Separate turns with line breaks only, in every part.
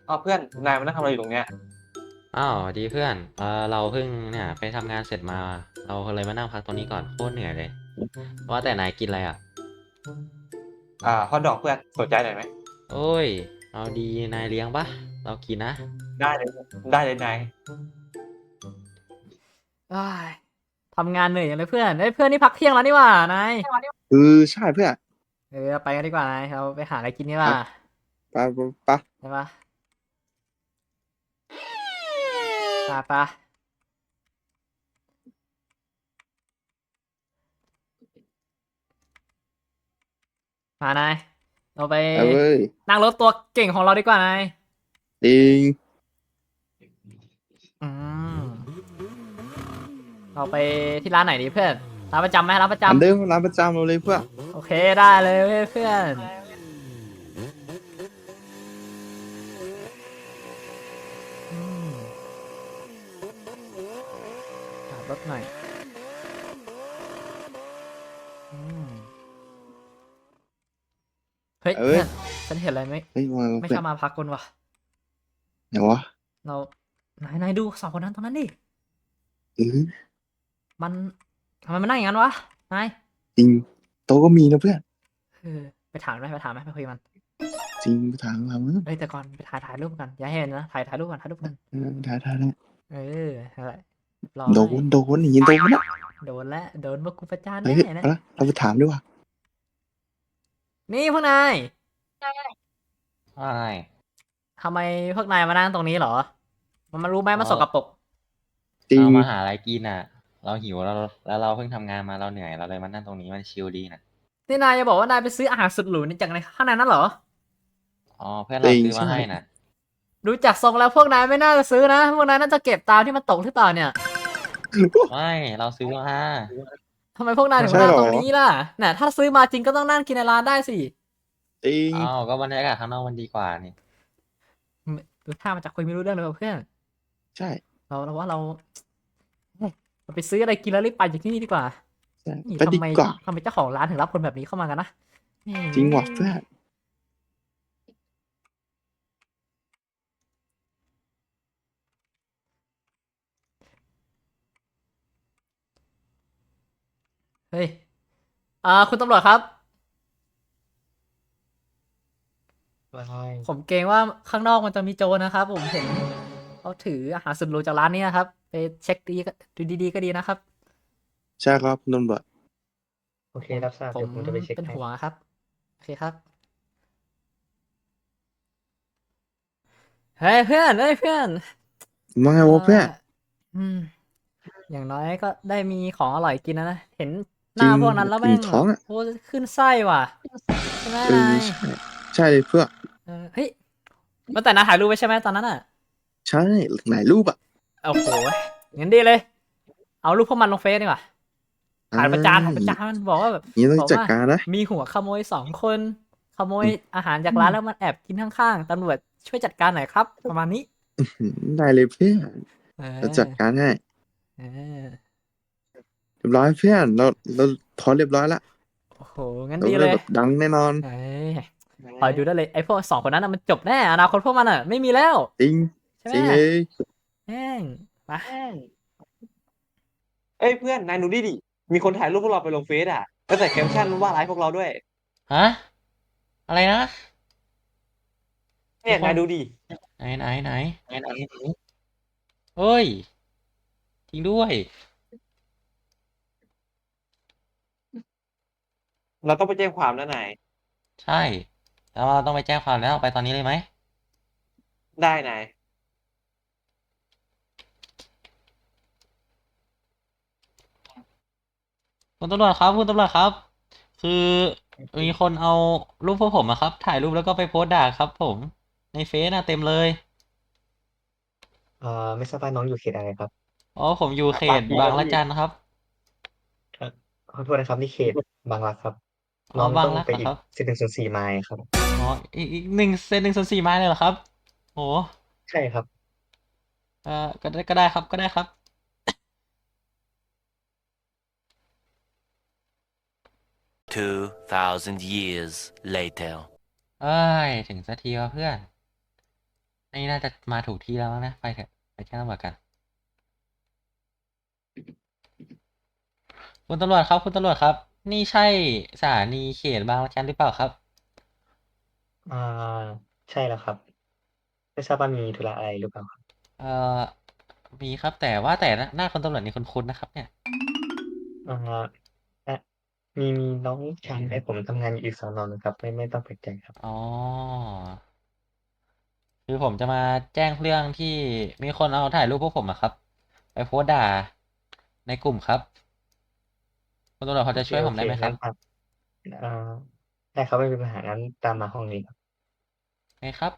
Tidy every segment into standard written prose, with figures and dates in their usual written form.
อ้าวเพื่อนนายมานั่งทำอะไรอยู่ตรงเนี้ย
อ้าวดีเพื่อนเราเพิ่งเนี่ยไปทำงานเสร็จมาเราเลยมานั่งพักตรงนี้ก่อนโคตรเหนื่อยเลยว่าแต่นายกินอะไรอ่ะ
ฮอทดอกเพื่อนสนใจหน่อยไหม
โอ้ยเอาดีนายเลี้ยงปะเรากินนะ
ได้เลยได้เลยนาย
อ้ายทำงานเหนื่อยอย่างเลยเพื่อนเพื่อนนี่พักเที่ยงแล้วนี่หว่านาย
ใช่เพื่อน
ไปกันดีกว่านายเราไปหาอะไรกินดีก
ไป
ว่า
ไป
ใช่ปะไปมานายเราไป
ไปเว้ย
นั่งรถตัวเก่งของเราดีกว่านาย
จริง
อืมเราไปที่ร้านไหนดีเพื่อนร้านประจำไหมร้านประจ
อันเดิมร้านประจำเราเลยเพื่อน
ำโอเคได้เลยเพื่อนอืมขับรถหน่อยอืมเฮ้ย
เอ้ย
เพื่อนฉันเห็นอะไรไหม
เฮ้ยมา
ไม่
เพื่อน
ชอบมาพักคนวะ
ไหนวะ
เรานายดูสองคนนั้นตรงนั้นดิ
เออ
มันทำไมมันนั่งอย่างนั้นวะนาย
จริงโตะก็มีนะเพื่อน
เออไปถามไหมไปคุยกับมัน
จริงไปถามเรา
เอ้ยแต่ก่อนไปถ่ายรูปกันอย่าให้เห็นนะถ่ายรูปกัน
ได้
เอออะไรรอ
โด
ให้
นโดนอย่างนี้โดนนะ
โดนแล้วโดนพวกกูประจาน
เฮ้
แน่
ย
นะ
เอาละเราไปถามดีกว่า
นี่พวกนาย
ใช่
ทำไมพวกนายมานั่งตรงนี้เหรอมันรู้ไหมมันสกปรก
จริง
เรามาหาอะไรกินอ่ะเราหิวแล้วเราเพิ่งทำงานมาเราเหนื่อยเราเลยมานั่งตรงนี้มันชิลดีนะ
นี่นายจะบอกว่านายไปซื้ออาหารสุดหรูนี่จากในข้างในนั้นเหรอ
อ๋อเพื่อน
จริง
เราซื้อมา
ใช่
ให้นะ
ดูจากทรงแล้วพวกนายไม่น่าจะซื้อนะพวกนายน่าจะเก็บตามที่มันตกหรือเปล่าเนี่ย
ไม่เราซื้อมา
ทำไมพวกนายถึง
ใช่หรอ
มานั่งตรงนี้ล่ะน่ะถ้าซื้อมาจริงก็ต้องนั่งกินในร้านได้สิ
จริง
อ้าวก็บรรยากาศข้างนอกมันดีกว่านี่
ดูท่ามันจะคุยไม่รู้เรื่องเลยว่ะเพื่อน
ใช่
เราว่าเฮ้ยเราไปซื้ออะไรกินแล้วรีบไปจากที่นี่ดีกว่า
ใช่
นี่
ไปดีกว่า
ทำไมเจ้าของร้านถึงรับคนแบบนี้เข้ามากันนะนี่
จริงว่ะเพื่อน
เฮ้ยคุณตำรวจครับผมเกรงว่าข้างนอกมันจะมีโจรนะครับผมเห็นเขาถืออาหารสุดหรูจากร้านนี้นะครับไปเช็คดูดีๆก็ดีนะครับ
ใช่ครับคุณตำรวจ
โอเครับทราบ
ผม
เดี๋ยวผมจะไปเช็ค
เป็น
ให้
ห่วงครับโอเคครับเฮ้ยเพื่อน
มาไง
เออ
วะเพื่อน
อืมอย่างน้อยก็ได้มีของอร่อยกินนะเห็นห
จริง
น้าพวกนั้นแล้วแม่
อิ่ม
ง
ท้องอ่ะ
โอ้ขึ้นไส้ว่ะใช่ไหม
เออ
นาย
ใช่ใช่เลยเพื่อน
เฮ้ยมาแต่นายถ่ายรูปไว้ใช่ไหมตอนนั้นอ่ะ
ใช่ไหนรูปอ่ะ
โอ้โหงั้นดีเลยเอารูปพวกมันลงเฟซดีกว่า
อ่
ถ่ายประจานมันบอกว่าแบบ
นี้ต้อง
บอกว่า
จัดการนะ
มีหัวขโมย2 คนขโมยอาหารจากร้านแล้วมันแอบกินข้างๆตำรวจช่วยจัดการหน่อยครับประมาณนี้
ได้เลยเพื่อน
เ
เราจัด
ออ
การให้
เออ
เรียบร้อยเพื่อนเราพอเรียบร้อยละ
โอ้โหงั้น
เรา
ดีเลย
ได้แบบดังแน่นอน
เอ้ย คอยดูได้เลยไอ้พวก2 คนนั้นน่ะมันจบแน่อนาคตพวกมันอ่ะไม่มีแล้ว
จริง
ใช่ไหม
จริงเลย
แม่งมา
เอ้ยเพื่อนนายดูดิมีคนถ่ายรูปพวกเราไปลงเฟซแล้วใส่แคปชั่นว่าร้ายพวกเราด้วย
ฮะอะไรนะ
เนี่ย
มีคน
นายดูดิ
ไหนเฮ้ยจริงด้วย
เราต้องไปแจ้งความแล้วนาย
ใช่แล้วเราต้องไปแจ้งความแล้วไปตอนนี้เลยไหม
ได้นาย
คุณตำรวจครับคุณตำรวจครับคือมีคนเอารูปพวกผมอะครับถ่ายรูปแล้วก็ไปโพสต์ด่าครับผมในเฟซน่ะเต็มเลย
ไม่ทราบว่าน้องอยู่เขตอะไรครับ
อ๋อผมอยู่เข
ปาก
ตบาง
ดีแล้วพี่
ระจันครับ
เอ่อขอโทษนะครับนี่เขตบางรักครับ
อ๋อ
น้อง
บาง
ต้องไปอีก
รักเหรอครับ
104ไมล์ครับ
อ๋ออีก1 เซน 1 ส่วน 4ไม้เลยเหรอครับโห
ใช่ครับ
ก็ได้ครับก็ได้ครับ
2,000 years later.
เอ้ยถึงสักทีวะเพื่อนไหอันนี้น่าจะมาถูกที่แล้วมั้งนะ ไปเถอะ ไปแจ้งตำรวจกัน คุณตำรวจครับ คุณตำรวจครับ นี่ใช่สถานีเขตบางละจันหรือเปล่าครับ
อ่าใช่แล้วครับ ไม่ทราบว่ามีธุระอะไรหรือเปล่าครับ
เอ่อ มีครับ แต่ว่าแต่หน้าคุณตำรวจนี่คุ้นๆนะครับเนี่ย
อ่าอ่ะมีน้องชายให้ผมทำงานอยู่อีกสอนอนะครับ ไม่ต้องแปลกใจครับ
อ๋อ คือผมจะมาแจ้งเรื่องที่มีคนเอาถ่ายรูปพวกผมอะครับ ไปโพสต์ด่าในกลุ่มครับ คุณตำรวจพอจะช่วยผมได้ไหมครับ
งั้นครับอ่าได้ครับไม่มีปัญหางั้นตามมาห้องนี้ครับ
ไงครับ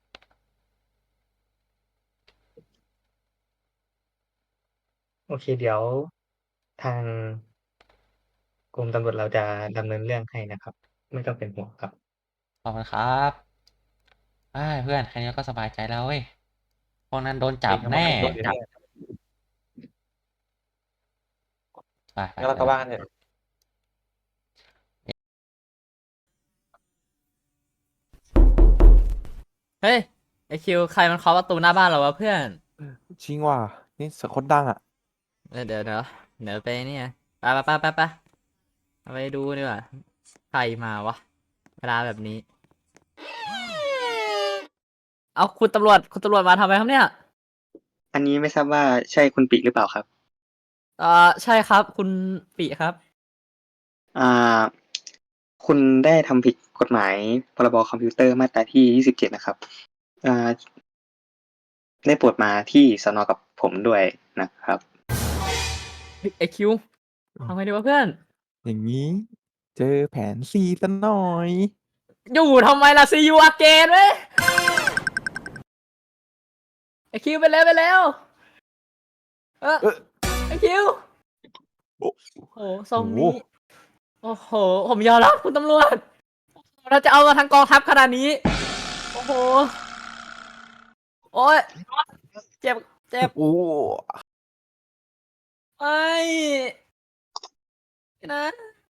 โอเคเดี๋ยวทางกรมตำรวจเราจะดำเนินเรื่องให้นะครับ ไม่ต้องเป็นห่วงครับ
ขอบคุณครับเพื่อนแค่นี้ก็สบายใจแล้วเว้ย พวกนั้นโดนจับแน่
โดนจับ
ไป
งั้นเรากลับบ้านเถอะ
เฮ้ยไอคิวใครมันเคาะประตูหน้าบ้านเราวะเพื่อน
จริงว่ะนี่เสียงคนดังอ่ะ
เดี๋ยวไปเนี่ยไปเอาไปดูดีกว่าใครมาวะเวลาแบบนี้ เอาคุณตำรวจมาทำไมครับเนี่ย
อันนี้ไม่ทราบว่าใช่คุณปิหรือเปล่าครับ
ใช่ครับ คุณปิครับ
อ่า คุณได้ทำผิดกฎหมายพรบคอมพิวเตอร์มาตราที่27นะครับ อ่า ได้โปรดมาที่สนกับผมด้วยนะครับ
ไอคิวทำไงดีวะเพื่อน
อย่างนี้ เจอแผนซีซะหน่อย
อยู่ทำไมล่ะซียูอาเกนเว้ยไอคิวไปแล้ว
เออ
ไอคิว
โอ้
โอ้โหทรงนี้
โอ้โห
โอ้โห ผมยอมรับคุณตำรวจเราจะเอามาทั้งกองทัพขนาดนี้ โอ้โห โอ้ยเจ็บ
โอ้
ไม่นะ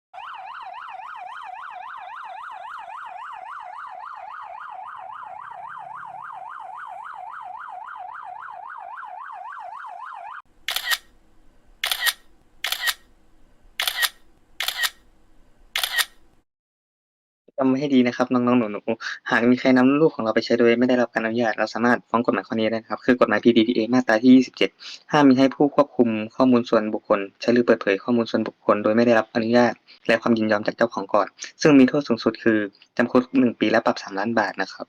จำไว้ให้ดีนะครับน้องๆหนูๆหากมีใครนำรูปของเราไปใช้โดยไม่ได้รับการอนุญาตเราสามารถฟ้องกฎหมายข้อนี้ได้นะครับ คือกฎหมาย PDPA มาตราที่27ห้ามมีให้ผู้ควบคุมข้อมูลส่วนบุคคลใช้หรือเปิดเผยข้อมูลส่วนบุคคลโดยไม่ได้รับอนุญาตและความยินยอมจากเจ้าของก่อน ซึ่งมีโทษสูงสุดคือจำคุก1 ปีและปรับ3 ล้านบาทนะครับ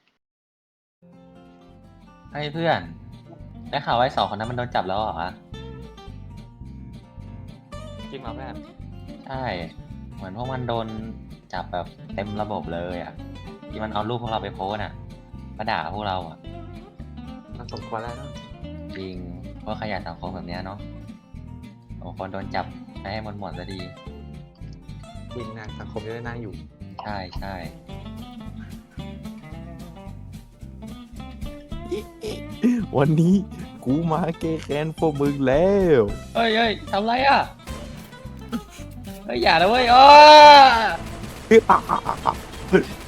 เพื่อน ได้ข่าวว่าไอ้2 คนนั้นมันโดนจับแล้วเหรอ
จริงเหรอเพื่อน
ใช่ เหมือนพวกมันโดนจับแบบเต็มระบบเลยอ่ะ ที่มันเอารูปพวกเราไปโพสต์อ่ะมาด่าพวกเราอ่ะ
มันสมควรแล้วเนอะ
จริงพวกขยะสังคมแบบเนี้ยเนาะบางคนโดนจับไปให้หมดซะดี
จริงนะสังคมจะได้น่าอยู่
ใช่ใช่
วันนี้กูมาแก้แค้นพวกมึงแล้ว
เฮ้ยทำไรอ่ะ เฮ้ยอย่านะเว้ยอ้อ
เฮ้ย